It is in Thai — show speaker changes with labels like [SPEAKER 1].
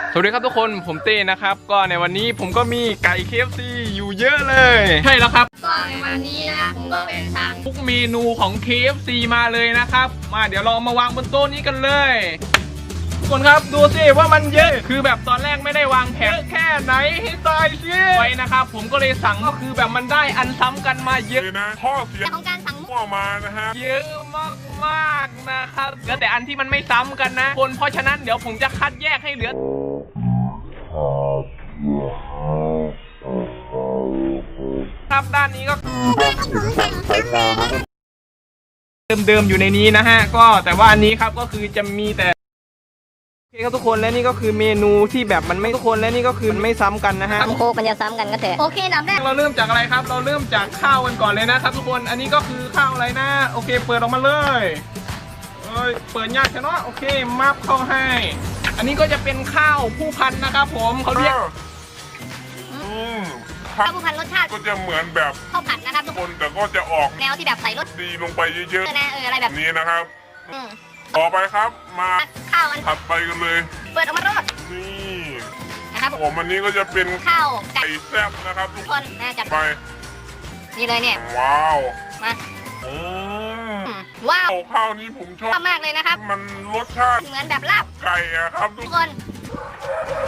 [SPEAKER 1] สวัสดีครับทุกคนผมเต้นะครับก็ในวันนี้ผมก็มีไก่ KFC อยู่เยอะเลย ใช่แล้วครับ
[SPEAKER 2] ก็ในวันนี้นะผมก็เป็นทาง
[SPEAKER 1] ทุกเมนูของ KFC มาเลยนะครับมาเดี๋ยวเรามาวางบนโต๊ะนี้กันเลยทุกคนครับดูสิว่ามันเยอะคือแบบตอนแรกไม่ได้วางแผนแค่ไหนให้ตายสิไว้นะครับผมก็เลยสั่งก็คือแบบมันได้อันซ้ำกันมาเยอะ
[SPEAKER 3] เลยนะข้อเสีย
[SPEAKER 2] ของการสั่งมุก
[SPEAKER 3] ออกมานะฮะ
[SPEAKER 1] เยอะมากๆนะครับเหลือแต่อันที่มันไม่ซ้ำกันนะคนเพราะฉะนั้นเดี๋ยวผมจะคัดแยกให้เหลือครับด้านนี้ก็เดิมๆอยู่ในนี้นะฮะก็แต่ว่าอันนี้ครับก็คือจะมีแต่โอเคครับทุกคนและนี่ก็คือเมนูที่แบบมันไม่ทุกคนและนี่ก็คือมันไม่ซ้ำกันนะฮะ
[SPEAKER 2] ทำโคกมันจะซ้ำกันก็เถอะโอเคลำแรก
[SPEAKER 1] เราเริ่มจากอะไรครับเราเริ่มจากข้าวกันก่อนเลยนะครับทุกคนอันนี้ก็คือข้าวอะไรนะโอเคเปิดออกมาเลยเปิดยากใช่เนาะโอเคมับเข้าให้อันนี้ก็จะเป็นข้าวผู้พันนะครับผมเขาเรียก
[SPEAKER 2] ข้าวผู้พันรสชาติ
[SPEAKER 3] ก็จะเหมือนแบบ
[SPEAKER 2] ข้าวผัดนะครับทุก
[SPEAKER 3] ค
[SPEAKER 2] คน
[SPEAKER 3] นแต่ก็จะออก
[SPEAKER 2] แนวที่แบบใส่รส
[SPEAKER 3] ดีลงไปเยอะ
[SPEAKER 2] นะอะไรแบบ
[SPEAKER 3] ๆนี้นะครับ
[SPEAKER 2] อืม
[SPEAKER 3] ต่อไปครับมา
[SPEAKER 2] ข้าวอัน
[SPEAKER 3] ถัดไปกันเลย
[SPEAKER 2] เปิดออกมาโรด
[SPEAKER 3] นี่
[SPEAKER 2] นะครับ
[SPEAKER 3] ผมอันนี้ก็จะเป็น
[SPEAKER 2] ข้าวไก่
[SPEAKER 3] ไก่แซ่บนะครับทุก
[SPEAKER 2] คนนะจัด
[SPEAKER 3] ไป
[SPEAKER 2] นี่เลยเนี่ย
[SPEAKER 3] ว้าว
[SPEAKER 2] มา
[SPEAKER 3] อืม
[SPEAKER 2] ว้าว
[SPEAKER 3] ข้าวนี้ผมชอบ
[SPEAKER 2] ชอบมากเลยนะครับ
[SPEAKER 3] มันรสชาติ
[SPEAKER 2] เหมือนแบบลาบ
[SPEAKER 3] ไก่อะครับทุ
[SPEAKER 2] ทุ
[SPEAKER 3] ก
[SPEAKER 2] กคน